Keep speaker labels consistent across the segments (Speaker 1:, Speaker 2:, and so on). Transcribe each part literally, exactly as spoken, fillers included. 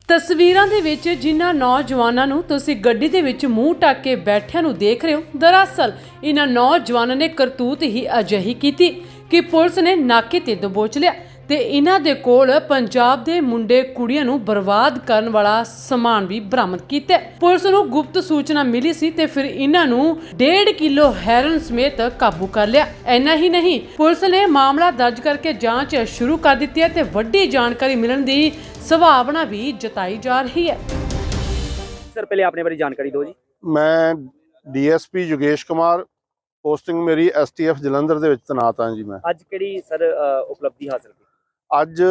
Speaker 1: ਤਸਵੀਰਾਂ ਦੇ ਵਿੱਚ ਜਿਨ੍ਹਾਂ ਨੌਜਵਾਨਾਂ ਨੂੰ ਤੁਸੀਂ ਗੱਡੀ ਦੇ ਵਿੱਚ ਮੂੰਹ ਢੱਕ ਕੇ ਬੈਠਿਆਂ ਨੂੰ ਦੇਖ ਰਹੇ ਹੋ, ਦਰਅਸਲ ਇਹਨਾਂ ਨੌਜਵਾਨਾਂ ਨੇ ਕਰਤੂਤ ਹੀ ਅਜਿਹੀ ਕੀਤੀ ਕਿ ਪੁਲਿਸ ਨੇ ਨਾਕੇ ਤੇ ਦਬੋਚ ਲਿਆ ਤੇ ਇਹਨਾਂ ਦੇ ਕੋਲ ਪੰਜਾਬ ਦੇ ਮੁੰਡੇ ਕੁੜੀਆਂ ਨੂੰ ਬਰਬਾਦ ਕਰਨ ਵਾਲਾ ਸਮਾਨ ਵੀ ਬਰਾਮਦ ਕੀਤਾ। ਪੁਲਿਸ ਨੂੰ ਗੁਪਤ ਸੂਚਨਾ ਮਿਲੀ ਸੀ ਤੇ ਫਿਰ ਇਹਨਾਂ ਨੂੰ ਡੇਢ ਕਿਲੋ ਹੈਰੋਇਨ ਸਮੇਤ ਕਾਬੂ ਕਰ ਲਿਆ। ਇੰਨਾ ਹੀ ਨਹੀਂ, ਪੁਲਿਸ ਨੇ ਮਾਮਲਾ ਦਰਜ ਕਰਕੇ ਜਾਂਚ ਸ਼ੁਰੂ ਕਰ ਦਿੱਤੀ ਹੈ ਤੇ ਵੱਡੀ ਜਾਣਕਾਰੀ ਮਿਲਣ ਦੀ ਸੰਭਾਵਨਾ ਵੀ ਜਤਾਈ ਜਾ ਰਹੀ ਹੈ।
Speaker 2: सर पहले आपने बारे जानकारी दो जी।
Speaker 3: मैं ਡੀਐਸਪੀ योगेश कुमार, पोस्टिंग मेरी एसटीएफ जलंधर ਦੇ ਵਿੱਚ ਤੈਨਾਤ ਹਾਂ ਜੀ। ਮੈਂ
Speaker 2: ਅੱਜ ਕਿਹੜੀ ਸਰ ਉਪਲਬਧੀ ਹਾਸਲ ਕੀਤੀ?
Speaker 3: ਅੱਜ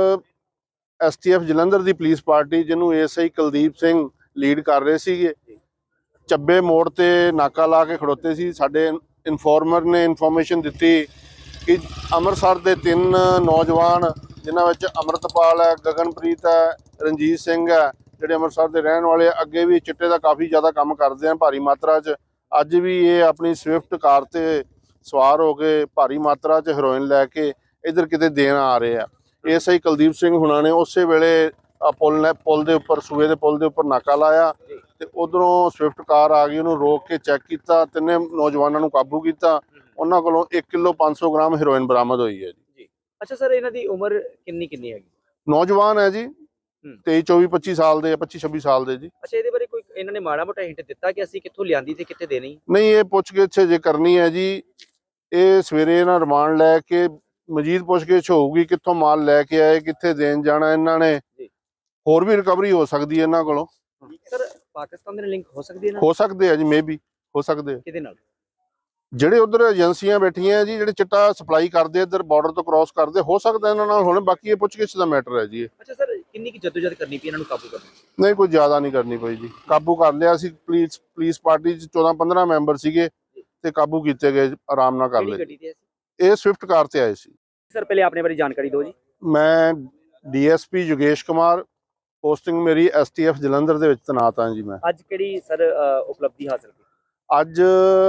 Speaker 3: ਐਸਟੀਐਫ ਜਲੰਧਰ ਦੀ ਪੁਲਿਸ ਪਾਰਟੀ ਜਿਹਨੂੰ ਏਐਸਆਈ ਕੁਲਦੀਪ ਸਿੰਘ ਲੀਡ ਕਰ ਰਹੇ ਸੀਗੇ, ਚੱਬੇ ਮੋੜ ਤੇ ਨਾਕਾ ਲਾ ਕੇ ਖੜੋਤੇ ਸੀ। ਸਾਡੇ ਇਨਫੋਰਮਰ ਨੇ ਇਨਫੋਰਮੇਸ਼ਨ ਦਿੱਤੀ ਕਿ ਅੰਮ੍ਰਿਤਸਰ ਦੇ ਤਿੰਨ ਨੌਜਵਾਨ ਜਿਨ੍ਹਾਂ ਵਿੱਚ ਅੰਮ੍ਰਿਤਪਾਲ ਹੈ, ਗਗਨਪ੍ਰੀਤ ਹੈ, ਰਣਜੀਤ ਸਿੰਘ ਹੈ, ਜਿਹੜੇ ਅੰਮ੍ਰਿਤਸਰ ਦੇ ਰਹਿਣ ਵਾਲੇ ਅੱਗੇ ਵੀ ਚਿੱਟੇ ਦਾ ਕਾਫੀ ਜ਼ਿਆਦਾ ਕੰਮ ਕਰਦੇ ਹਨ ਭਾਰੀ ਮਾਤਰਾ 'ਚ। ਅੱਜ ਵੀ ਇਹ ਆਪਣੀ ਸਵਿਫਟ ਕਾਰ ਤੇ ਸਵਾਰ ਹੋ ਕੇ ਭਾਰੀ ਮਾਤਰਾ 'ਚ ਹੈਰੋਇਨ ਲੈ ਕੇ ਇੱਧਰ ਕਿਤੇ ਦੇਣ ਆ ਰਹੇ ਆ। ਏਐਸਆਈ ਕੁਲਦੀਪ ਸਿੰਘ ਹੁਣਾਂ ਨੇ ਉਸੇ ਵੇਲੇ ਪੁਲ ਨੇ ਪੁਲ ਦੇ ਉੱਪਰ ਸੂਏ ਦੇ ਪੁਲ ਦੇ ਉੱਪਰ ਨਾਕਾ ਲਾਇਆ ਤੇ ਉਧਰੋਂ ਸਵਿਫਟ ਕਾਰ ਆ ਗਈ, ਉਹਨੂੰ ਰੋਕ ਕੇ ਚੈੱਕ ਕੀਤਾ, ਤਿੰਨੇ ਨੌਜਵਾਨਾਂ ਨੂੰ ਕਾਬੂ ਕੀਤਾ। ਉਹਨਾਂ ਕੋਲੋਂ ਇੱਕ ਕਿਲੋ ਪੰਜ ਸੌ ਗ੍ਰਾਮ ਹੈਰੋਇਨ ਬਰਾਮਦ ਹੋਈ ਹੈ ਜੀ।
Speaker 2: ਅੱਛਾ ਸਰ, ਇਹਨਾਂ ਦੀ ਉਮਰ ਕਿੰਨੀ ਕਿੰਨੀ ਹੈਗੀ?
Speaker 3: ਨੌਜਵਾਨ ਹੈ ਜੀ, ਤੇਈ ਚੌਵੀ ਪੱਚੀ ਸਾਲ ਦੇ, ਪੱਚੀ ਛੱਬੀ ਸਾਲ ਦੇ ਜੀ।
Speaker 2: ਅੱਛਾ, ਇਹਦੇ ਬਾਰੇ ਕੋਈ ਇਹਨਾਂ ਨੇ ਮਾੜਾ ਮੋਟਾ ਹਿੰਟ ਦਿੱਤਾ ਕਿ ਅਸੀਂ ਕਿੱਥੋਂ ਲਿਆਂਦੀ ਤੇ ਕਿੱਥੇ ਦੇਣੀ?
Speaker 3: ਨਹੀਂ, ਇਹ ਪੁੱਛਗਿੱਛ ਜੇ ਕਰਨੀ ਹੈ ਜੀ। ਇਹ ਸਵੇਰੇ ਇਹਨਾਂ ਰਿਮਾਂਡ ਲੈ ਕੇ ਮਜੀਦ ਪੁੱਛਗਿੱਛ ਹੋਊਗੀ, ਕਿੱਥੋਂ ਮਾਲ ਲੈ ਕੇ ਆਏ, ਕਿੱਥੇ ਦੇਣ ਜਾਣਾ। ਇਹਨਾਂ ਨੇ ਹੋਰ ਵੀ ਰਿਕਵਰੀ ਹੋ ਸਕਦੀ ਹੈ ਇਹਨਾਂ ਕੋਲੋਂ।
Speaker 2: ਸਰ ਪਾਕਿਸਤਾਨ ਦੇ ਨਾਲ ਲਿੰਕ ਹੋ ਸਕਦੀ ਹੈ ਨਾ?
Speaker 3: ਹੋ ਸਕਦੇ ਆ ਜੀ, ਮੇ ਵੀ ਹੋ ਸਕਦੇ ਆ।
Speaker 2: ਕਿਹਦੇ ਨਾਲ?
Speaker 3: ਜਿਹੜੇ ਉਧਰ ਏਜੰਸੀਆਂ ਬੈਠੀਆਂ ਜੀ, ਜਿਹੜੇ ਚਿੱਟਾ ਸਪਲਾਈ ਕਰਦੇ ਇੱਧਰ ਬਾਰਡਰ ਤੋਂ ਕ੍ਰਾਸ ਕਰਦੇ, ਹੋ ਸਕਦਾ ਇਹਨਾਂ ਨਾਲ ਹੁਣ। ਬਾਕੀ ਇਹ ਪੁੱਛਗਿੱਛ ਦਾ ਮੈਟਰ ਹੈ ਜੀ।
Speaker 2: ਅੱਛਾ ਸਰ, ਕਿੰਨੀ ਕੀ ਜਦੋਜਹਿਦ ਕਰਨੀ ਪਈ ਇਹਨਾਂ ਨੂੰ ਕਾਬੂ ਕਰਨ?
Speaker 3: ਨਹੀਂ, ਕੋਈ ਜ਼ਿਆਦਾ ਨਹੀਂ ਕਰਨੀ ਪਈ ਜੀ। ਕਾਬੂ ਕਰ ਲਿਆ ਸੀ। ਪੁਲਿਸ ਪੁਲਿਸ ਪਾਰਟੀ 'ਚ ਚੌਦਾਂ ਪੰਦਰਾਂ ਮੈਂਬਰ ਸੀਗੇ ਤੇ ਕਾਬੂ ਕੀਤੇ ਗਏ, ਆਰਾਮ ਨਾਲ ਕਰ ਲਏ। ਇਹ ਸਵਿਫਟ ਕਾਰ ਤੇ ਆਏ ਸੀ।
Speaker 2: ਸਰ ਪਹਿਲੇ ਆਪਣੇ ਬਾਰੇ ਜਾਣਕਾਰੀ ਦਿਓ ਜੀ।
Speaker 3: ਮੈਂ ਡੀਐਸਪੀ योगेश कुमार, पोस्टिंग मेरी एसटीएफ जलंधर ਦੇ ਵਿੱਚ ਤੈਨਾਤ ਹਾਂ ਜੀ। ਮੈਂ
Speaker 2: ਅੱਜ ਕਿਹੜੀ ਸਰ ਉਪਲਬਧੀ ਹਾਸਲ ਕੀਤੀ?
Speaker 3: ਅੱਜ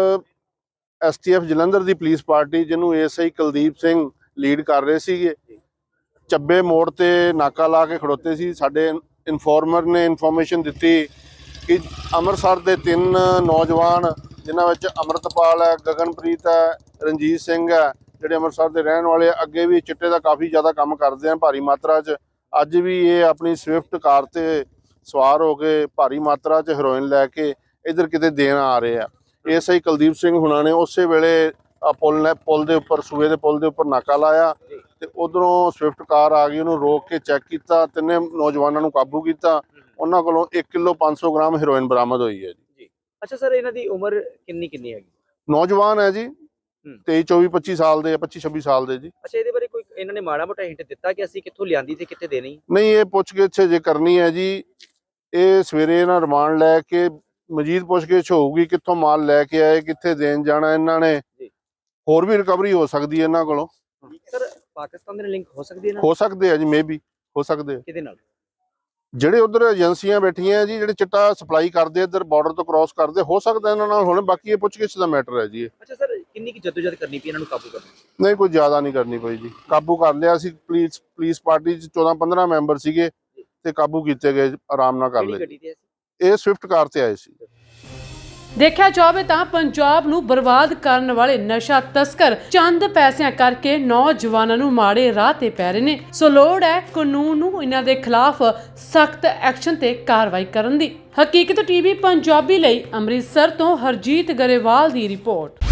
Speaker 3: ਐਸਟੀਐਫ ਜਲੰਧਰ ਦੀ ਪੁਲਿਸ ਪਾਰਟੀ ਜਿਹਨੂੰ ਏਐਸਆਈ ਕੁਲਦੀਪ ਸਿੰਘ ਲੀਡ ਕਰ ਰਹੇ ਸੀਗੇ, ਚੱਬੇ ਮੋੜ ਤੇ ਨਾਕਾ ਲਾ ਕੇ ਖੜੋਤੇ ਸੀ। ਸਾਡੇ ਇਨਫੋਰਮਰ ਨੇ ਇਨਫੋਰਮੇਸ਼ਨ ਦਿੱਤੀ ਕਿ ਅੰਮ੍ਰਿਤਸਰ ਦੇ ਤਿੰਨ ਨੌਜਵਾਨ ਜਿਨ੍ਹਾਂ ਵਿੱਚ ਅੰਮ੍ਰਿਤਪਾਲ ਹੈ, ਗਗਨਪ੍ਰੀਤ ਹੈ, ਰਣਜੀਤ ਸਿੰਘ ਹੈ, ਜਿਹੜੇ ਅੰਮ੍ਰਿਤਸਰ ਦੇ ਰਹਿਣ ਵਾਲੇ ਅੱਗੇ ਵੀ ਚਿੱਟੇ ਦਾ ਕਾਫੀ ਜ਼ਿਆਦਾ ਕੰਮ ਕਰਦੇ ਹਨ ਭਾਰੀ ਮਾਤਰਾ 'ਚ। ਅੱਜ ਵੀ ਇਹ ਆਪਣੀ ਸਵਿਫਟ ਕਾਰ ਤੇ ਸਵਾਰ ਹੋ ਕੇ ਭਾਰੀ ਮਾਤਰਾ 'ਚ ਹੈਰੋਇਨ ਲੈ ਕੇ ਇੱਧਰ ਕਿਤੇ ਦੇਣ ਆ ਰਹੇ ਆ। ਏਐਸਆਈ ਕੁਲਦੀਪ ਸਿੰਘ ਹੁਣਾਂ ਨੇ ਉਸੇ ਵੇਲੇ ਪੁਲ ਨੇ ਪੁਲ ਦੇ ਉੱਪਰ ਸੂਏ ਦੇ ਪੁਲ ਦੇ ਉੱਪਰ ਨਾਕਾ ਲਾਇਆ ਤੇ ਉਧਰੋਂ ਸਵਿਫਟ ਕਾਰ ਆ ਗਈ, ਉਹਨੂੰ ਰੋਕ ਕੇ ਚੈੱਕ ਕੀਤਾ, ਤਿੰਨੇ ਨੌਜਵਾਨਾਂ ਨੂੰ ਕਾਬੂ ਕੀਤਾ। ਉਹਨਾਂ ਕੋਲੋਂ ਇੱਕ ਕਿਲੋ ਪੰਜ ਸੌ ਗ੍ਰਾਮ ਹੈਰੋਇਨ ਬਰਾਮਦ ਹੋਈ ਹੈ ਜੀ।
Speaker 2: ਅੱਛਾ ਸਰ, ਇਹਨਾਂ ਦੀ ਉਮਰ ਕਿੰਨੀ ਕਿੰਨੀ ਹੈਗੀ?
Speaker 3: ਨੌਜਵਾਨ ਹੈ ਜੀ, ਤੇਈ ਚੌਵੀ ਪੱਚੀ ਸਾਲ ਦੇ, ਪੱਚੀ ਛੱਬੀ ਸਾਲ ਦੇ ਜੀ।
Speaker 2: ਅੱਛਾ, ਇਹਦੇ ਬਾਰੇ ਕੋਈ ਇਹਨਾਂ ਨੇ ਮਾੜਾ ਮੋਟਾ ਹਿੰਟ ਦਿੱਤਾ ਕਿ ਅਸੀਂ ਕਿੱਥੋਂ ਲਿਆਂਦੀ ਤੇ ਕਿੱਥੇ ਦੇਣੀ?
Speaker 3: ਨਹੀਂ, ਇਹ ਪੁੱਛਗਿੱਛ ਜੇ ਕਰਨੀ ਹੈ ਜੀ। ਇਹ ਸਵੇਰੇ ਇਹਨਾਂ ਰਿਮਾਂਡ ਲੈ ਕੇ ਮਜੀਦ ਪੁੱਛਗਿੱਛ ਹੋਊਗੀ, ਕਿੱਥੋਂ ਮਾਲ ਲੈ ਕੇ ਆਏ, ਕਿੱਥੇ ਦੇਣ ਜਾਣਾ। ਇਹਨਾਂ ਨੇ ਹੋਰ ਵੀ ਰਿਕਵਰੀ ਹੋ ਸਕਦੀ ਹੈ ਇਹਨਾਂ ਕੋਲੋਂ।
Speaker 2: ਸਰ ਪਾਕਿਸਤਾਨ ਦੇ ਨਾਲ ਲਿੰਕ ਹੋ ਸਕਦੀ ਹੈ ਨਾ?
Speaker 3: ਹੋ ਸਕਦੇ ਆ ਜੀ, ਮੇ ਵੀ ਹੋ ਸਕਦੇ ਆ।
Speaker 2: ਕਿਹਦੇ ਨਾਲ?
Speaker 3: ਜਿਹੜੇ ਉਧਰ ਏਜੰਸੀਆਂ ਬੈਠੀਆਂ ਜੀ, ਜਿਹੜੇ ਚਿੱਟਾ ਸਪਲਾਈ ਕਰਦੇ ਇੱਧਰ ਬਾਰਡਰ ਤੋਂ ਕ੍ਰਾਸ ਕਰਦੇ, ਹੋ ਸਕਦਾ ਇਹਨਾਂ ਨਾਲ ਹੁਣ। ਬਾਕੀ ਇਹ ਪੁੱਛਗਿੱਛ ਦਾ ਮੈਟਰ ਹੈ ਜੀ।
Speaker 2: ਅੱਛਾ ਸਰ, ਕਿੰਨੀ ਕੀ ਜਦੋਜਹਿਦ ਕਰਨੀ ਪਈ ਇਹਨਾਂ ਨੂੰ ਕਾਬੂ ਕਰਨ?
Speaker 3: ਨਹੀਂ, ਕੋਈ ਜ਼ਿਆਦਾ ਨਹੀਂ ਕਰਨੀ ਪਈ ਜੀ। ਕਾਬੂ ਕਰ ਲਿਆ ਸੀ। ਪੁਲਿਸ ਪੁਲਿਸ ਪਾਰਟੀ 'ਚ ਚੌਦਾਂ ਪੰਦਰਾਂ ਮੈਂਬਰ ਸੀਗੇ ਤੇ ਕਾਬੂ ਕੀਤੇ ਗਏ, ਆਰਾਮ ਨਾਲ ਕਰ ਲਏ। ਇਹ ਸਵਿਫਟ ਕਾਰ ਤੇ ਆਏ ਸੀ।
Speaker 1: ਦੇਖਿਆ ਜਾਵੇ ਤਾਂ ਪੰਜਾਬ ਨੂੰ ਬਰਬਾਦ ਕਰਨ ਵਾਲੇ ਨਸ਼ਾ ਤਸਕਰ ਚੰਦ ਪੈਸਿਆਂ ਕਰਕੇ ਨੌਜਵਾਨਾਂ ਨੂੰ ਮਾੜੇ ਰਾਹ ਤੇ ਪੈ ਰਹੇ ਨੇ। ਸੋ ਲੋੜ ਹੈ ਕਾਨੂੰਨ ਨੂੰ ਇਹਨਾਂ ਦੇ ਖਿਲਾਫ ਸਖਤ ਐਕਸ਼ਨ ਤੇ ਕਾਰਵਾਈ ਕਰਨ ਦੀ। ਹਕੀਕਤ ਟੀਵੀ ਪੰਜਾਬੀ ਲਈ ਅੰਮ੍ਰਿਤਸਰ ਤੋਂ ਹਰਜੀਤ ਗਰੇਵਾਲ ਦੀ ਰਿਪੋਰਟ।